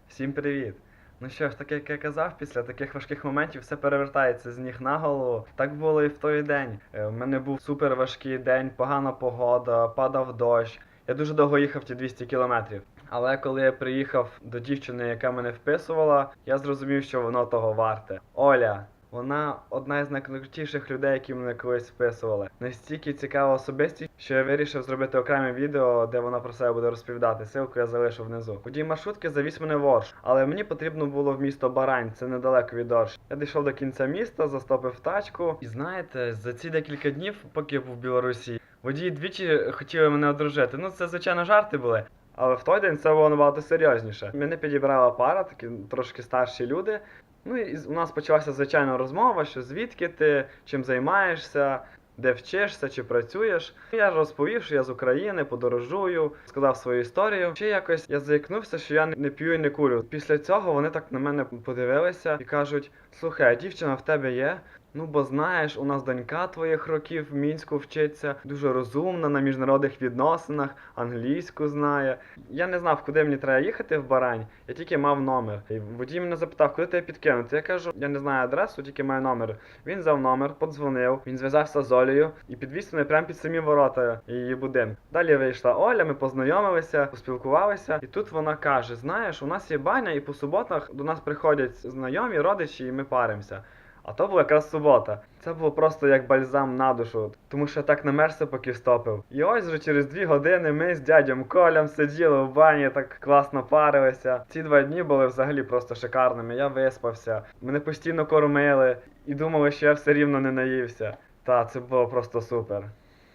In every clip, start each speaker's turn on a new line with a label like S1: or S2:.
S1: Всім привіт! Ну що ж, так як я казав, після таких важких моментів все перевертається з ніг на голову. Так було і в той день. У мене був супер важкий день, погана погода, падав дощ. Я дуже довго їхав ті 200 кілометрів. Але коли я приїхав до дівчини, яка мене вписувала, я зрозумів, що воно того варте. Оля. Вона одна із найкрутіших людей, які мене колись вписували. Настільки цікава особистість, що я вирішив зробити окреме відео, де вона про себе буде розповідати. Ссылку я залишу внизу. Водій маршрутки завіз мене в Орш, але мені потрібно було в місто Барань, це недалеко від Орш. Я дійшов до кінця міста, застопив тачку. І знаєте, за ці декілька днів, поки я був в Білорусі, водії двічі хотіли мене одружити. Ну це, звичайно, жарти були. Але в той день це було набагато серйозніше. Мене підібрала пара, такі трошки старші люди. Ну і у нас почалася звичайна розмова, що звідки ти, чим займаєшся, де вчишся чи працюєш. Я розповів, що я з України, подорожую, сказав свою історію. Ще якось я заікнувся, що я не п'ю і не курю. Після цього вони так на мене подивилися і кажуть: слухай, а дівчина в тебе є? Ну, бо знаєш, у нас донька твоїх років в Мінську вчиться, дуже розумна на міжнародних відносинах, англійську знає. Я не знав, куди мені треба їхати в Барань, я тільки мав номер. І водій мене запитав, куди тебе підкинути. Я кажу, я не знаю адресу, тільки маю номер. Він взяв номер, подзвонив, він зв'язався з Олею і підвіз мене прямо під самі ворота її будинку. Далі вийшла Оля, ми познайомилися, поспілкувалися, і тут вона каже: знаєш, у нас є баня, і по суботах до нас приходять знайомі, родичі, і ми паримося. А то була якраз субота. Це було просто як бальзам на душу, тому що я так намерзся, поки встопив. І ось вже через 2 години ми з дядьком Колем сиділи в бані, так класно парилися. Ці 2 дні були взагалі просто шикарними. Я виспався, мене постійно кормили і думали, що я все рівно не наївся. Та, це було просто супер.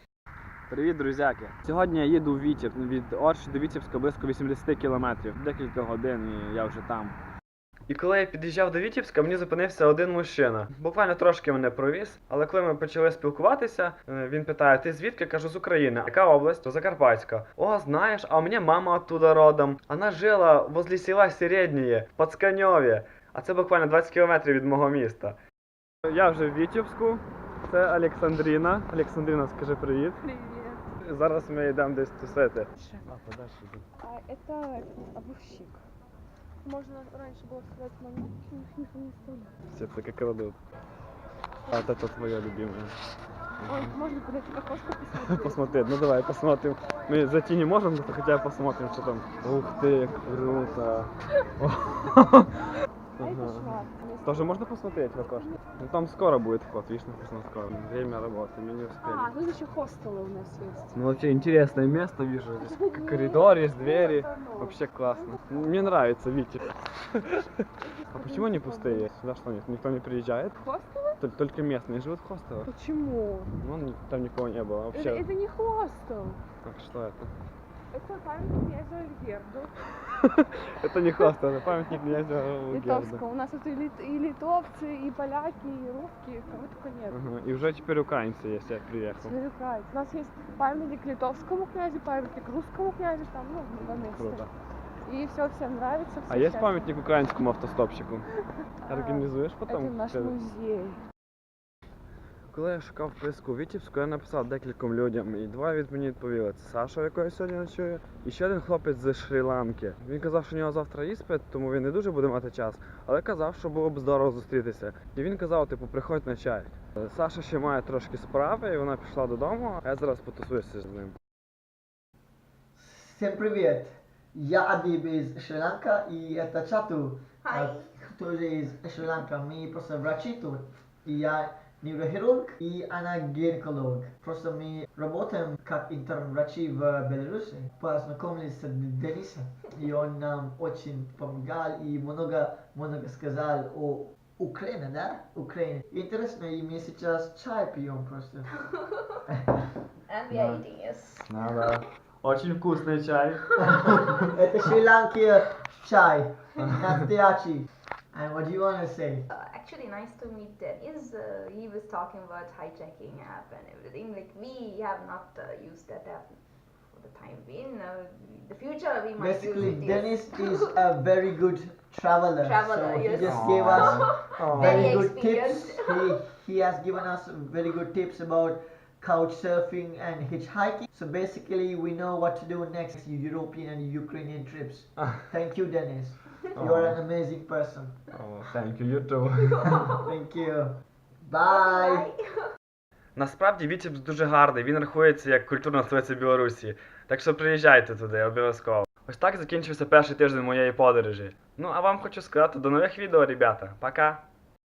S1: Привіт, друзяки! Сьогодні я їду в Вітеб. Від Орші до Вітебська близько 80 кілометрів. Декілька годин і я вже там. І коли я під'їжджав до Вітебська, мені зупинився один мужчина. Буквально трошки мене провіз, але коли ми почали спілкуватися, він питає: ти звідки? Кажу, з України. Яка область? То Закарпатська. О, знаєш, а у мене мама оттуда родом. Вона жила возле села Середнє, в Пацканьові. А це буквально 20 кілометрів від мого міста. Я вже в Вітебську. Це Олександріна. Олександріна, скажи привіт.
S2: Привет.
S1: Зараз ми йдемо десь тусити.
S2: Это огурщик. Можно раньше было сказать, но их не стало.
S1: Все таке крадут. А вот это твоя любимая.
S2: Ой, можно подойти к окошку посмотреть?
S1: Посмотреть, ну давай посмотрим. Мы зайти не можем, но хотя бы посмотрим, что там. Ух ты, круто.
S2: А это шваб.
S1: Тоже можно посмотреть в окошко? Ну там скоро будет вход, видишь, написано скоро. Время работы, мы не успели.
S2: А, тут еще хостелы у нас есть.
S1: Ну вообще интересное место вижу. Здесь коридор, есть двери. Вообще классно. Мне нравится, Витя. А почему они пустые? Сюда что, никто не приезжает?
S2: Хостелы?
S1: Только местные живут в хостелах.
S2: Почему?
S1: Ну, там никого не было вообще.
S2: Это не хостел.
S1: Так, что это?
S2: Это памятник князю Альгерду.
S1: Это не хостел, это памятник князю
S2: Литовского.
S1: Герду.
S2: У нас тут и литовцы, и поляки, и русские, кого только нет.
S1: И уже теперь украинцы есть, я приехал.
S2: Теперь украинцы. У нас есть памятник литовскому князю, памятник русскому князю, там, ну, на месте.
S1: Круто.
S2: И все всем нравится.
S1: А есть памятник украинскому автостопщику? Организуешь потом?
S2: Это наш музей.
S1: Коли я шукав вписку у Вітебську, я написав декільком людям, і 2 від мені відповіли. Це Саша, якого я сьогодні ночую, і ще один хлопець з Шрі-Ланки. Він казав, що у нього завтра іспит, тому він не дуже буде мати час, але казав, що було б здорово зустрітися. І він казав, типу, приходь на чай. Саша ще має трошки справи, і вона пішла додому, а я зараз потусуюся з ним.
S3: Всем привет! Я Адиб из Шри-Ланка, и это Чату, тоже из Шри-Ланка. Мы просто врачи тут, и я неврохирург, и она гинеколог. Просто мы работаем как интерн-врачи в Беларуси. Познакомились с Денисом, и он нам очень помогал и много сказал о Украине, да? Украине. Интересно, и мы сейчас чай пьем просто.
S4: And we are eating, yes.
S1: Да. Очень вкусный чай.
S3: Это Шри-Ланки чай, настоящий. And what do you want to say?
S4: Actually, nice to meet Dennis. He was talking about hijacking app and everything. Like, we have not used that app for the time being. The future we might
S3: Basically,
S4: use it.
S3: Dennis is a very good traveler.
S4: Traveler,
S3: so
S4: yes.
S3: he just gave us
S4: Very
S3: very good tips.
S4: experienced.
S3: He has given us very good tips about couch surfing and hitchhiking. So basically, we know what to do next European and Ukrainian trips. Thank you, Dennis. You're an amazing person.
S1: Oh, thank you, you too.
S3: Thank you. Bye.
S1: Насправді Вітебськ дуже гарний, він рахується як культурна столиця Білорусі. Так що приїжджайте туди, обов'язково. Ось так закінчився перший тиждень моєї подорожі. Ну а вам хочу сказати до нових відео, ребята. Пока!